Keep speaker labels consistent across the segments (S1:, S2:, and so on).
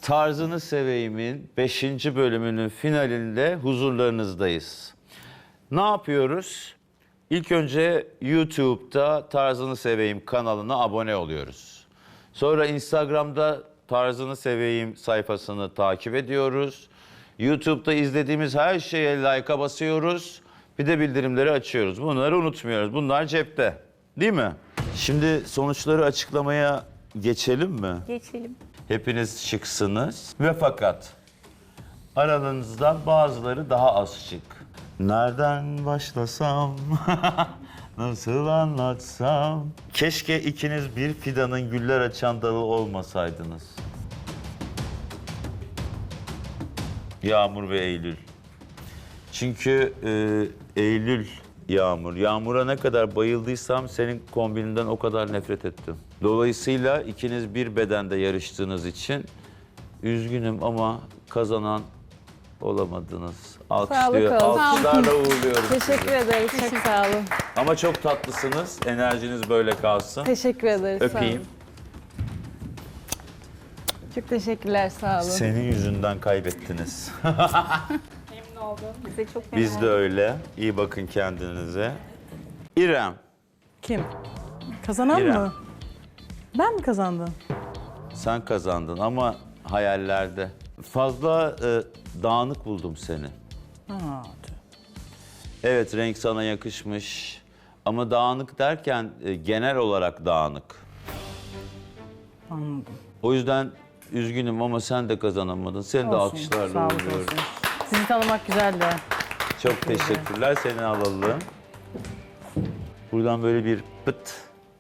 S1: Tarzını Seveyim'in 5. bölümünün finalinde huzurlarınızdayız. Ne yapıyoruz? İlk önce YouTube'da Tarzını Seveyim kanalına abone oluyoruz. Sonra Instagram'da Tarzını Seveyim sayfasını takip ediyoruz. YouTube'da izlediğimiz her şeye like'a basıyoruz. Bir de bildirimleri açıyoruz. Bunları unutmuyoruz. Bunlar cepte. Değil mi? Şimdi sonuçları açıklamaya geçelim mi?
S2: Geçelim.
S1: Hepiniz şıksınız ve fakat aranızdan bazıları daha az şık. Nereden başlasam, nasıl anlatsam? Keşke ikiniz bir fidanın güller açan dalı olmasaydınız. Yağmur ve Eylül. Çünkü Eylül, Yağmur. Yağmur'a ne kadar bayıldıysam senin kombininden o kadar nefret ettim. Dolayısıyla ikiniz bir bedende yarıştığınız için üzgünüm ama kazanan olamadınız. Alkışlıyor,
S2: Sağlık olsun.
S1: alkışlarla uğurluyorum sizi.
S2: Teşekkür ederiz. Çok sağ olun.
S1: Ama çok tatlısınız. Enerjiniz böyle kalsın.
S2: Teşekkür ederiz. Sağ
S1: Öpeyim.
S2: olun. Çok teşekkürler. Sağ olun.
S1: Senin yüzünden kaybettiniz.
S2: Memnun oldum. Bize çok
S1: Biz de öyle. İyi bakın kendinize. İrem.
S3: Kim? Kazanan
S1: İrem.
S3: mı? Ben mi kazandım?
S1: Sen kazandın ama hayallerde. Fazla dağınık buldum seni.
S3: Ha,
S1: Evet, renk sana yakışmış. Ama dağınık derken genel olarak dağınık.
S3: anladım.
S1: O yüzden üzgünüm ama sen de kazanamadın. Seni de
S3: Olsun,
S1: alkışlarla
S3: sağlık
S1: uğurluyorum.
S3: olsun. Sizi tanımak güzeldi.
S1: Çok teşekkürler. Seni alalım. Buradan böyle bir pıt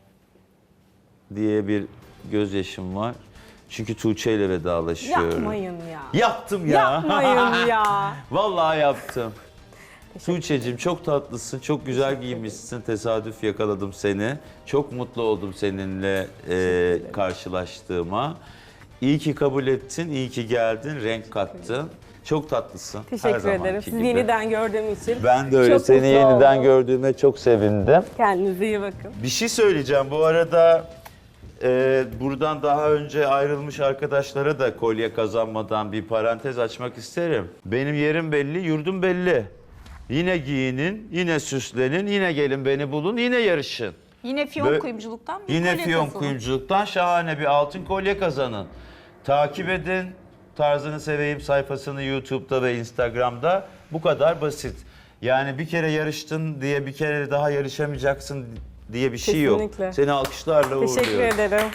S1: diye bir gözyaşım var. Çünkü Tuğçe ile vedalaşıyorum.
S2: Yapmayın ya.
S1: Yaptım ya.
S2: Yapmayın ya.
S1: Vallahi yaptım. Tuğçe'cim çok tatlısın, çok güzel giyinmişsin. Tesadüf yakaladım seni. Çok mutlu oldum seninle karşılaştığıma. İyi ki kabul ettin, iyi ki geldin, renk kattın. Çok tatlısın. her
S2: Teşekkür
S1: zamanki
S2: ederim. Sizi
S1: gibi.
S2: yeniden gördüğüm için.
S1: Ben de öyle.
S2: Çok
S1: Seni
S2: mutlu
S1: yeniden
S2: oldum.
S1: gördüğüme çok sevindim.
S2: Kendinize iyi bakın.
S1: Bir şey söyleyeceğim. Bu arada buradan daha önce ayrılmış arkadaşlara da kolye kazanmadan bir parantez açmak isterim. Benim yerim belli, yurdum belli. Yine giyinin, yine süslenin, yine gelin beni bulun, yine yarışın.
S4: Yine fiyon kuyumculuktan bir
S1: Yine
S4: kolye
S1: fiyon
S4: kazanın.
S1: kuyumculuktan şahane bir altın kolye kazanın. Takip edin. Tarzını Seveyim sayfasını YouTube'da ve Instagram'da. Bu kadar basit. Yani bir kere yarıştın diye bir kere daha yarışamayacaksın diye bir şey yok.
S2: Kesinlikle.
S1: Seni alkışlarla uğurluyorum.
S2: Teşekkür ederim.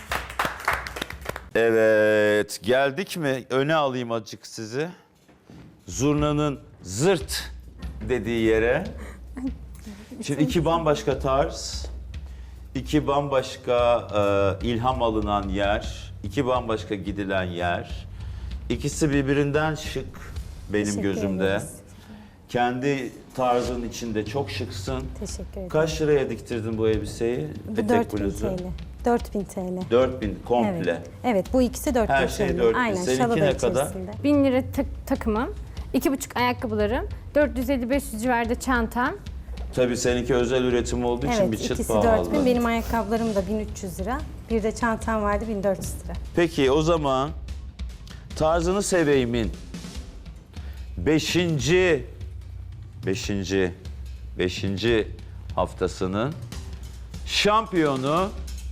S1: Evet, geldik mi? Öne alayım azıcık sizi. Zurnanın zırt dediği yere. Şimdi iki bambaşka tarz, iki bambaşka ilham alınan yer, iki bambaşka gidilen yer. İkisi birbirinden şık benim gözümde. Kendi tarzın içinde çok şıksın.
S5: Teşekkür ederim.
S1: Kaç liraya diktirdin bu elbiseyi?
S5: Bu
S1: Etek
S5: 4000
S1: bluzu.
S5: TL. 4000 TL.
S1: 4000 komple.
S5: Evet. Evet, bu ikisi 4000
S1: Her şey
S5: TL.
S1: 4000.
S5: Aynen,
S1: Seninki
S5: şalı da
S1: ne kadar?
S5: içerisinde.
S6: 1000 lira takımım, 2,5 ayakkabılarım, 450-500 civarında çantam.
S1: Tabii seninki özel üretim olduğu için
S5: Evet,
S1: bir çıt
S5: ikisi
S1: pahalı.
S5: 4000. Benim ayakkabılarım da 1300 lira. Bir de çantam vardı 1400 lira.
S1: Peki o zaman Tarzını Seveyim'in 5. haftasının şampiyonu,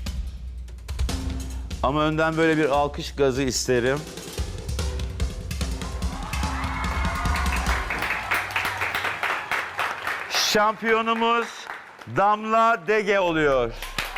S1: ama önden böyle bir alkış gazı isterim. Şampiyonumuz Damla Dege oluyor.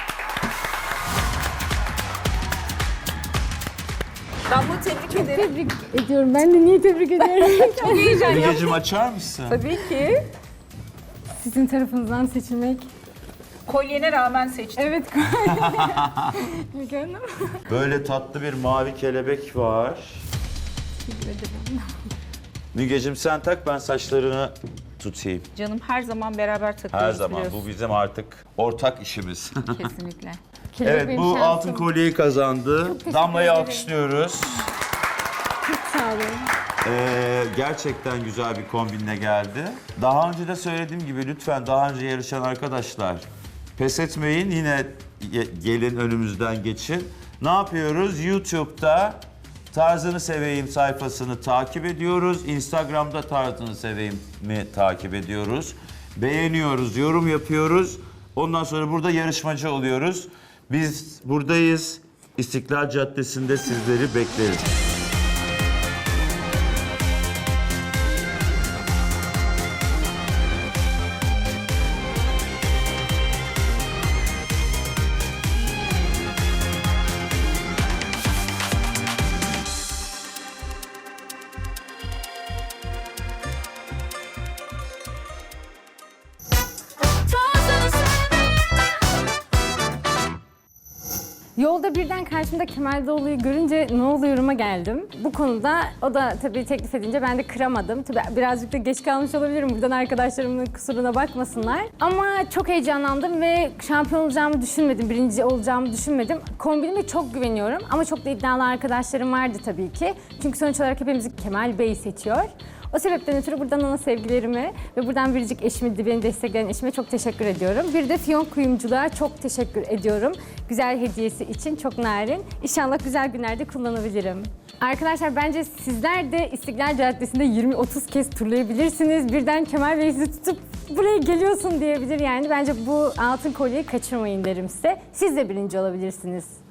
S2: Damla tebrik ederim.
S6: Tebrik ediyorum. Ben de niye tebrik ediyorum?
S2: Çok heyecan yaptım.
S1: Mügeciğim açar mısın?
S2: Tabii ki.
S6: Sizin tarafınızdan seçilmek.
S4: Kolyene rağmen seçtim.
S6: Evet. Mükemmel.
S1: Böyle tatlı bir mavi kelebek var.
S6: Teşekkür ederim.
S1: Mügeciğim sen tak, ben saçlarını tutayım.
S4: Canım her zaman beraber takıyoruz
S1: Her zaman.
S4: biliyorsun.
S1: Bu bizim artık ortak işimiz.
S4: Kesinlikle.
S1: Evet,
S6: benim
S1: bu
S6: şansım.
S1: altın kolyeyi kazandı. Damla'yı alkışlıyoruz.
S6: Sağ olun.
S1: Gerçekten güzel bir kombinle geldi. Daha önce de söylediğim gibi lütfen daha önce yarışan arkadaşlar pes etmeyin. Yine gelin önümüzden geçin. Ne yapıyoruz? YouTube'da Tarzını Seveyim sayfasını takip ediyoruz. Instagram'da Tarzını Seveyim'i takip ediyoruz. Beğeniyoruz, yorum yapıyoruz. Ondan sonra burada yarışmacı oluyoruz. Biz buradayız. İstiklal Caddesi'nde sizleri bekleriz.
S6: Yolda birden karşımda Kemal Doğulu'yu görünce ne oluyorum'a geldim. Bu konuda o da tabii teklif edince ben de kıramadım. Tabii birazcık da geç kalmış olabilirim. Buradan arkadaşlarımın kusuruna bakmasınlar. Ama çok heyecanlandım ve şampiyon olacağımı düşünmedim. Birinci olacağımı düşünmedim. Kombinime çok güveniyorum ama çok da iddialı arkadaşlarım vardı tabii ki. Çünkü sonuç olarak hepimizi Kemal Bey seçiyor. O sebepten ötürü buradan ona sevgilerimi ve buradan biricik eşimi, beni destekleyen eşime çok teşekkür ediyorum. Bir de Fiyon Kuyumculuğa çok teşekkür ediyorum. Güzel hediyesi için çok narin. İnşallah güzel günlerde kullanabilirim. Arkadaşlar bence sizler de İstiklal Caddesi'nde 20-30 kez turlayabilirsiniz. Birden Kemal Bey sizi tutup buraya geliyorsun diyebilir yani. Bence bu altın kolyeyi kaçırmayın derim size. Siz de birinci olabilirsiniz.